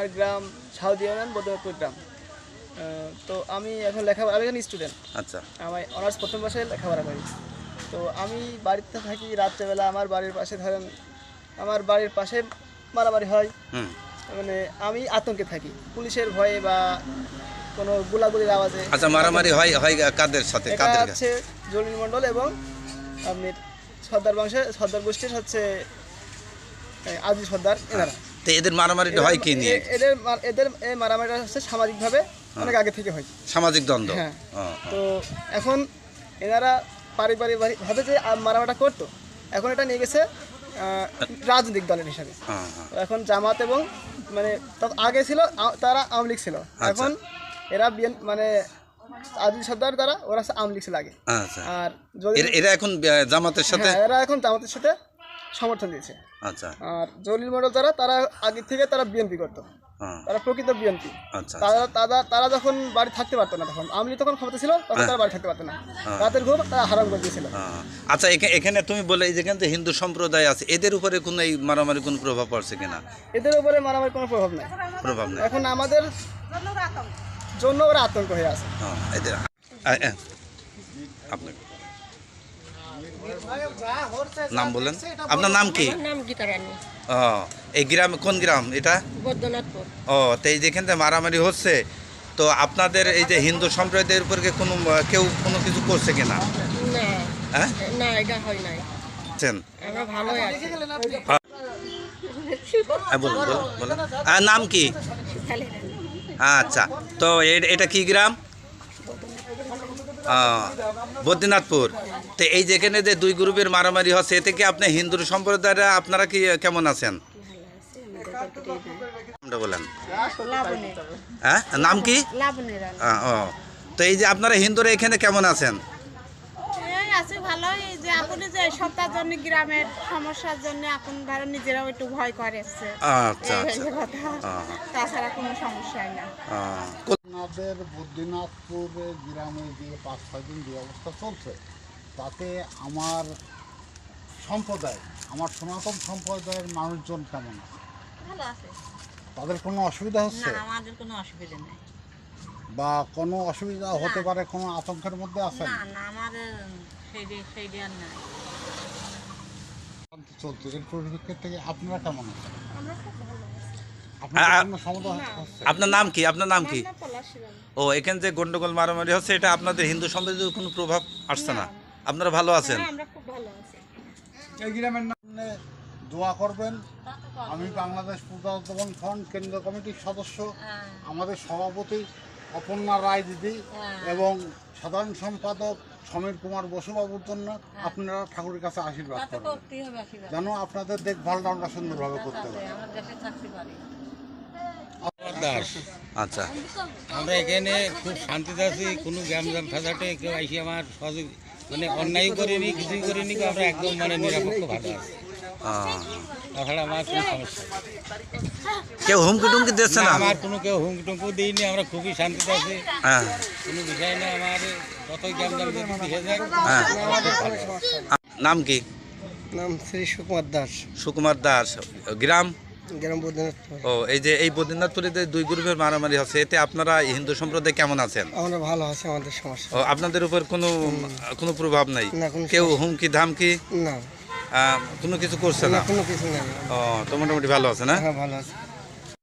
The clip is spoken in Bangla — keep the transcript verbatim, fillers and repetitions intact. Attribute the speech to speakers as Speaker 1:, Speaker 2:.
Speaker 1: গ্রাম সাউদি ইউনিয়ন বদরপুর গ্রাম। তো আমি এখন লেখাপড়া আমি এখন স্টুডেন্ট।
Speaker 2: আচ্ছা,
Speaker 1: আমি অনার্স প্রথম বর্ষে লেখাপড়া করি। তো আমি বাড়িতে থাকি রাত্রেবেলা। আমার বাড়ির পাশে ধরেন আমার বাড়ির পাশে মারামারি হয়, মানে আমি আতঙ্কে থাকি পুলিশের ভয়ে বা কোনো গোলাগুলির আওয়াজে।
Speaker 2: আচ্ছা, মারামারি হয় হয় কাদের সাথে? কাদের
Speaker 1: হচ্ছে জলিল মণ্ডল এবং আপনি সর্দার বংশের সর্দার গোষ্ঠীর হচ্ছে আজিজ সর্দার, এনারা।
Speaker 2: তো এদের মারামারিটা হয় কি নিয়ে?
Speaker 1: এদের এদের এই মারামারিটা হচ্ছে সামাজিকভাবে অনেক আগে থেকে হয়,
Speaker 2: সামাজিক দ্বন্দ্ব।
Speaker 1: হ্যাঁ। তো এখন এনারা পারিবারিক ভাবে যে মারামারিটা করতো, এখন এটা নিয়ে গেছে রাজনৈতিক দলের হিসাবে। এখন জামাত এবং মানে আগে ছিল তারা আওয়ামী লীগ ছিল, এখন এরা মানে আজিজ সর্দার দ্বারা ওরা আওয়ামী লীগ ছিল আগে। আর
Speaker 2: এরা এখন জামাতের সাথে
Speaker 1: এরা এখন জামাতের সাথে সমর্থন দিয়েছে।
Speaker 2: আচ্ছা।
Speaker 1: আর জলিল মণ্ডল যারা তারা আগে থেকে তারা বিএনপি করতো, তারা প্রকৃত বিএনপি। তারা তারা তারা যখন বাড়ি থাকতে পারতো না, তখন আওয়ামী লীগ তখন ক্ষমতা ছিল, তখন তারা বাড়ি থাকতে পারতো না, রাতের ঘুম তারা হারাম করে দিয়েছিল।
Speaker 2: আচ্ছা, এখানে তুমি বলে যেখানে যে হিন্দু সম্প্রদায় আছে, এদের উপরে কোনো এই মারামারি কোনো প্রভাব পড়ছে কিনা?
Speaker 1: এদের উপরে মারামারি কোনো প্রভাব নাই,
Speaker 2: প্রভাব নেই।
Speaker 1: এখন আমাদের জন্য ওরা আতঙ্ক হয়ে আছে।
Speaker 2: এদের আপনার নাম বলেন, আপনার নাম কি? ও, এই গ্রাম কোন গ্রাম এটা?
Speaker 3: বৈদ্যনাথপুর।
Speaker 2: ও, তো এই যেখান থেকে মারামারি হচ্ছে, তো আপনাদের এই যে হিন্দু সম্প্রদায়ের উপর কোনো কেউ কোনো কিছু করছে কিনা?
Speaker 3: না,
Speaker 2: হ্যাঁ,
Speaker 3: না, এটা হয় নাই। আমরা ভালোই আছি।
Speaker 2: বলুন বলুন বলুন। নাম কি? আচ্ছা, তো এটা কি গ্রাম? বদ্রীনাথপুর। তো এই যেখানে যে দুই গ্রুপের মারামারি হচ্ছে, এতে কি আপনি হিন্দু সম্প্রদায়রা আপনারা কি কেমন আছেন? বলেন। হ্যাঁ, নাম কি? ও, তো এই যে আপনারা হিন্দুরা এখানে কেমন আছেন?
Speaker 4: আছে ভালোই। যে আপনি যে সপ্তাহের জন্য গ্রামের সমস্যার জন্য এখন ধরো নিজেরাও একটু ভয় করেছে।
Speaker 2: আচ্ছা,
Speaker 4: তাছাড়া কোনো সমস্যা না।
Speaker 5: আমাদের বদ্রীনাথপুরে গ্রামে যে পাঁচ ছয় দিন যে অবস্থা চলছে, তাতে আমার সম্প্রদায় আমার সনাতন সম্প্রদায়ের মানুষজন কেমন আছে?
Speaker 4: ভালো আছে।
Speaker 5: তাদের কোনো অসুবিধা হচ্ছে?
Speaker 4: না, আমাদের কোনো অসুবিধা নেই।
Speaker 5: বা কোনো অসুবিধা হতে পারে, কোনো আতঙ্কের মধ্যে আছে?
Speaker 4: না না, আমাদের সেই সেই জ্ঞান নাই।
Speaker 5: চলছে, এর পরিপ্রেক্ষিত থেকে আপনারা কেমন আছেন?
Speaker 4: আমরা খুব ভালো আছি।
Speaker 2: আপনার নাম কি? আপনার নাম কি? ও, এখানে যে গন্ডগোল মারামারি হচ্ছে, এটা আপনাদের হিন্দু সম্প্রদায়ের কোনো প্রভাব আসছে না? আপনারা ভালো আছেন?
Speaker 4: আমরা খুব ভালো আছি।
Speaker 5: এই গ্রামের নামে দোয়া করবেন। আমি বাংলাদেশ প্রজাতন্ত্র ফ্রন্ট কেন্দ্রীয় কমিটির সদস্য, আমাদের সভাপতি অপর্ণা রায় দিদি এবং সাধারণ সম্পাদক সমীর কুমার বসুবাবুর জন্য আপনারা ঠাকুরের কাছে আশীর্বাদ করবেন, যেন আপনাদের দেখভালটা আমরা সুন্দরভাবে করতে পারি।
Speaker 2: আচ্ছা,
Speaker 6: আমরা এখানে খুব শান্তিতে আছি, কোনো গ্যামজাম ফেসাটে কেউ আইসি আমার সহযোগ মানে অন্যায় করিনি, কিছুই করিনি, আমরা একদম মানে নিরাপক্ষ ভালো আছি। তাছাড়া আমার কোনো সমস্যা
Speaker 2: কেউ হুমকি টুমকি দিচ্ছে না?
Speaker 6: আমার কোনো কেউ হুমকি টুমকি দিইনি, আমরা খুবই শান্তিতে আছি, কোনো বিষয় না। আমার যতই গ্যামজাম যদি দেখে যায়।
Speaker 2: নাম কি?
Speaker 1: নাম শ্রী সুকুমার দাস।
Speaker 2: সুকুমার দাস। গ্রাম?
Speaker 1: গ্রাম বদ্রীনাথপুর।
Speaker 2: ও, এই যে এই বদ্রীনাথপুরে যে দুই গ্রুপের মারামারি হচ্ছে, এতে আপনারা হিন্দু সম্প্রদায় কেমন আছেন?
Speaker 1: আমরা ভালো আছি, আমাদের সমস্যা।
Speaker 2: ও, আপনাদের উপর কোনো কোনো প্রভাব নাই? কেউ হুমকি ধামকি
Speaker 1: না,
Speaker 2: কোনো কিছু করছে না?
Speaker 1: কোনো কিছু নেই।
Speaker 2: ও, তো মোটামুটি ভালো আছে না?
Speaker 1: হ্যাঁ, ভালো আছে।